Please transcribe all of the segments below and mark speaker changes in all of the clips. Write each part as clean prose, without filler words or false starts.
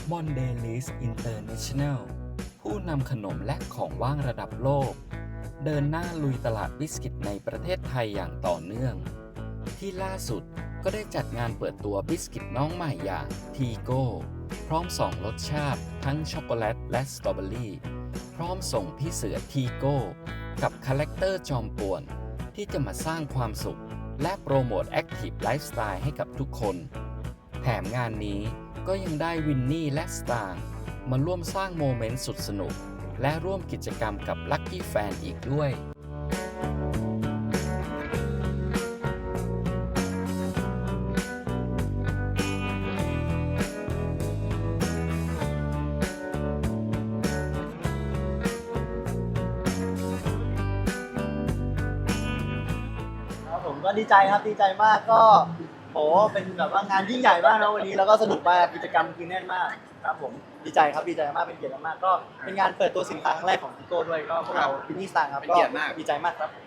Speaker 1: Mondelez International ผู้นำขนมและของว่างระดับโลกเดินหน้าลุยตลาดบิสกิตในประเทศไทยอย่างต่อเนื่องที่ล่าสุดก็ได้จัดงานเปิดตัวบิสกิตน้องใหม่อย่างทีโก้พร้อม2รสชาติทั้งช็อกโกแลตและสตรอเบอรี่พร้อมส่งพี่เสือทีโก้กับคาแรคเตอร์จอมป่วนที่จะมาสร้างความสุขและโปรโมทแอคทีฟไลฟ์สไตล์ให้กับทุกคนแถมงานนี้ก็ยังได้วินนี่และสตางค์มาร่วมสร้างโมเมนต์สุดสนุกและร่วมกิจกรรมกับลัคกี้แฟนอีกด้วย
Speaker 2: ผมก็ดีใจครับดีใจมากก็โหเป็นแบบว่างานยิ่งใหญ่มากนะวันนี้แล้วก็สนุกมากกิจกรรมคือแน่นมากครับผมดีใจครับดีใจมากเป็นเกียรติมากก็เป็นงานเปิดตัวสินค้าครั้งแรกของพิโก้ด้วยก็พวกเราพินนี่สตางค์ครับก็ดีใจมากครับ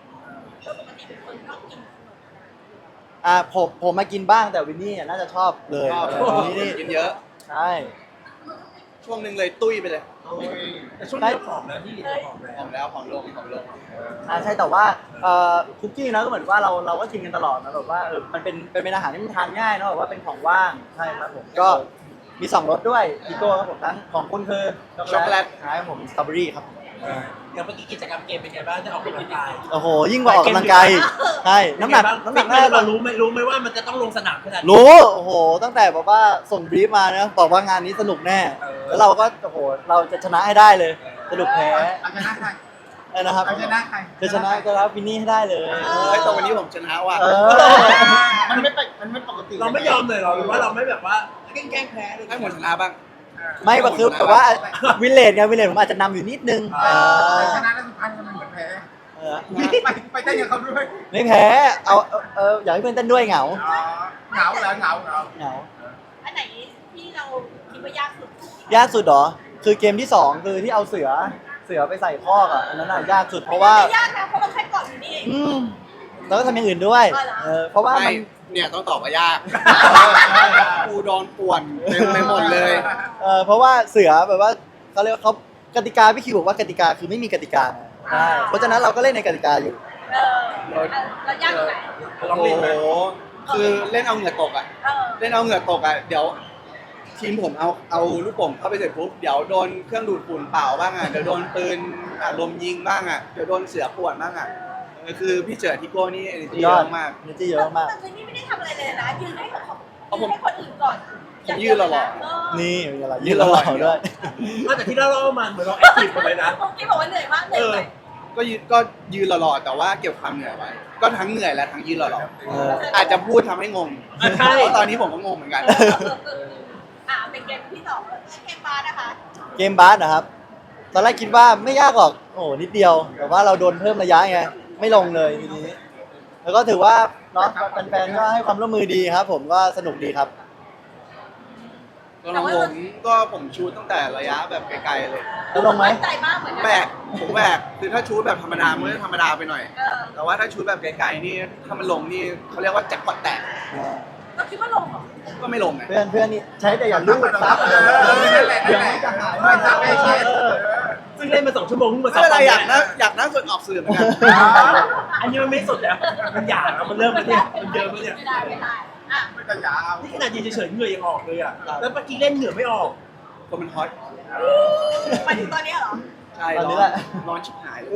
Speaker 2: ผมมากินบ้างแต่วินนี่น่าจะชอบเลยวินนี่
Speaker 3: กินเยอะ
Speaker 2: ใช่
Speaker 3: ช่วงหนึ่งเลยตุ้ยไปเลย
Speaker 4: แต่ช่วงนี้ผอมแล้วพี่ผอมแล้ว
Speaker 3: ผอมลง
Speaker 2: ใช่แต่ว่าคุกกี้นะก็เหมือนว่าเราก็กินกันตลอดนะแบบว่ามันเป็นอาหารที่มันทานง่ายเนาะแบบว่าเป็นของว่างใช่ครับผมก็มี2รสด้วยพิโก้ครับผมทั้งของคุณคือช็อกโกแลตใช่ผมสตรอเบอรี่ครับผม
Speaker 4: อย่างเมื่อกี้กิจกรรมเกมเป็นไงบ้างได้ออกกำลังกาย
Speaker 2: โอ้โหยิ่งกว่าออกกำลังกายใช่น้ำหนักน่าจะ
Speaker 4: เรารู้ไหมว่ามันจะต้องลงสนามขนาดนี้
Speaker 2: รู้โอ้โหตั้งแต่แบบว่าส่งบรีฟมานะบอกว่างานนี้สนุกแน่แล้วเราก็โอ้โหเราจะชนะให้ได้เลยสนุกแพ้
Speaker 5: เอาชนะใคร
Speaker 2: นะครับ
Speaker 5: เอาชนะใคร
Speaker 2: จะชนะก็รับวินนี่ให้ได้เลย
Speaker 3: เฮ้ยแต่วันนี้ผมชนะว่ะ
Speaker 5: มันไม่ปกติ
Speaker 4: เราไม่ยอมเลยเหรอหรือว่าเราไม่แบบว่าแกล้งแพ้เลย
Speaker 3: ให้ผมชนะบ้าง
Speaker 2: ไม่ก็คือแบบว่าวินเลจไงวินเลจผมอาจจะนำอยู่นิดนึง
Speaker 5: แต่ชนะแล้วสุดท้ายมันเหมือนแพ้ไปเต้นกับเขาด้วย
Speaker 2: ไม่แพ้เอาอยากให้เพื่อนเต้นด้วยเหงา
Speaker 5: เหงาเหรอเหงา
Speaker 2: เหงา
Speaker 6: อันไหนที่เราคิดว่ายากสุด
Speaker 2: ยากสุดเหรอคือเกมที่2คือที่เอาเสือไปใส่คอกอ่ะอันนั้นน่ะยากสุดเพราะว่า
Speaker 6: ไม่ยากนะเพราะเราแค่กดอยู่นี่เอง
Speaker 2: แล้วก็ทำอย่างอื่นด้วยเพราะว่ามัน
Speaker 3: ไม่เนี่ยต้องตอบว่ายากกูโดนป่วนเต็มไปหมดเลย
Speaker 2: เพราะว่าเสือแบบว่าเขาเรียกว่าเขากติกาพี่คิวบอกว่ากติกาคือไม่มีกติกาใช่เพราะฉะนั้นเราก็เล่นในกติกาอยู่
Speaker 6: เรายากตรงไหน
Speaker 4: ลอง
Speaker 3: โอ้
Speaker 4: เล่น
Speaker 3: โห คือเล่นเอาเหงื่อตกอ่ะ เล่นเอาเหงื่อตกอ่ะ เดี๋ยวทีมผมเอาลูกโป่งเข้าไปเสร็จปุ๊บ เดี๋ยวโดนเครื่องดูดฝุ่นเปล่าบ้างอ่ะ เดี๋ยวโดนปืนลมยิงบ้างอ่ะ เดี๋ยวโดนเสือป่วนบ้างอ่ะคือพี่เจอทิโก้นี่ energy เยอะมาก
Speaker 2: energy เยอะมาก
Speaker 6: แต่คืนนี้ไม่ได้ทำอะไรเลยนะยืนให้คนอื่นก่อน
Speaker 3: ผมยืนหล่อ
Speaker 2: นี่มีอะไรยืนหล่อๆด้วย
Speaker 4: แต่ที่เรามาเหมือนเราแอคทีฟกันเลยนะ
Speaker 6: ผมคิดบอกว่าเหนื่อยมากเหนื่อยไหม
Speaker 3: ก็ยืนหล่อๆแต่ว่าเก็บความเหนื่อยไว้ ก็ทั้งเหนื่อยและทั้งยืนหล่อๆอาจจะพูดทำให้งง
Speaker 4: ใช่
Speaker 3: เพราะตอนนี้ผมก็งงเหมือนกัน
Speaker 6: เป็นเกมที่2เกมบาร์นะคะ
Speaker 2: เกมบาสนะครับ ตอนแรกคิดว่าไม่ยากหรอก โอ้โหนิดเดียว แต่ว่าเราโดนเพิ่มระยะไง ไม่ลงเลยทีนี้ แล้วก็ถือว่าเนาะแฟนๆก็ให้ความร่วมมือดีครับ ผมก็สนุกดีครับ
Speaker 3: ตัวของผมชูตตั้งแต่ระยะแบบไกลๆเลย
Speaker 2: แล้วลงไหม
Speaker 6: ใจมากเหมือนกัน
Speaker 3: ผมแบกคือถ้าชูตแบบธรรมดามันก็ธรรมดาไปหน่อย แต่ว่าถ้าชูตแบบไกลๆนี่ถ้ามันลงนี่เขาเรียกว่าแจ็คพอตแตก
Speaker 6: เราคิดว่าลงเหรอ
Speaker 3: ก็ไม่ลงไง
Speaker 2: เพื่อนนี่ใช้แต่อย่าลูกซับ
Speaker 5: นั่นแหละ
Speaker 2: เดี๋ยวมันจะหาย
Speaker 5: ไม่ซับไม่ใช่
Speaker 4: ซึ่งเล่นมา2 ชั่วโมงเพิ่งมา
Speaker 3: ไม่เป็นไรอยากนั่งฝึกออกสื่อเหมือนกัน
Speaker 4: อันนี้มันไม่สุดแล้วมันหยาบมันเริ่มแล้วเนี่ยมันเยอะแล้วเนี่ย
Speaker 6: ไม่ได้อ่ะ
Speaker 5: ไม่ต้องยาว
Speaker 4: นี่ขนาดยืนเฉยๆเหงื่อยังออกเลยอ่ะแล้วเมื่อกี้เล่นเหงื่อไม่ออก
Speaker 3: คนมันฮอต
Speaker 6: ไปถึงตอนนี้เหรอ
Speaker 3: ใช่
Speaker 2: ตอนนี้แหละ
Speaker 3: ร้อนชิบหายเลย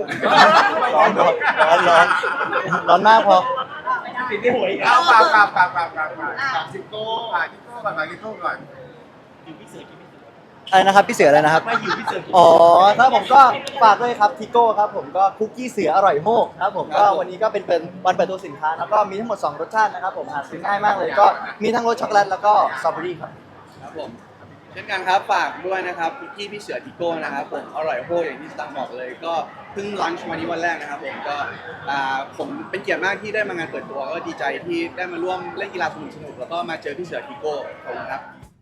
Speaker 2: ร้อนมากพอ
Speaker 6: ไม่ได้
Speaker 4: ติดในหัวอีกแล้
Speaker 5: เอา
Speaker 4: ว
Speaker 5: กับทิโก้ก่อนมาทิโก้ก่อน
Speaker 4: อยู่พี่เสือกินพี่เสือ
Speaker 2: อะไรนะครับพี่เสืออะไรนะครับ
Speaker 4: ไม่อยู่พี่เสือกิน
Speaker 2: อ๋อถ้าผมก็ฝากด้วยครับทิโก้ครับผมก็คุกกี้เสืออร่อยโมกครับผมก็วันนี้ก็เป็นวันเปิดตัวสินค้าแล้วก็มีทั้งหมด2รสชาตินะครับผมหาซื้อง่ายมากเลยก็มีทั้งรสช็อกโกแลตแล้วก็สตรอเบอรี่ครับ
Speaker 3: ครับผมเช่นกันครับฝากด้วยนะครับคุกกี้พี่เสือทิโก้นะครับผมอร่อยโหดอย่างที่สตังค์บอกเลย ก็เพิ่งลันช์มานี้วันแรกนะครับผมก็ผมเป็นเกียรติมากที่ได้มางานเปิดตัวก็ดีใจที่ได้มาร่วมเล่นกีฬาสนุกๆแล้วก็มาเจอพี่เสือทิโก้ขอบคุณครับ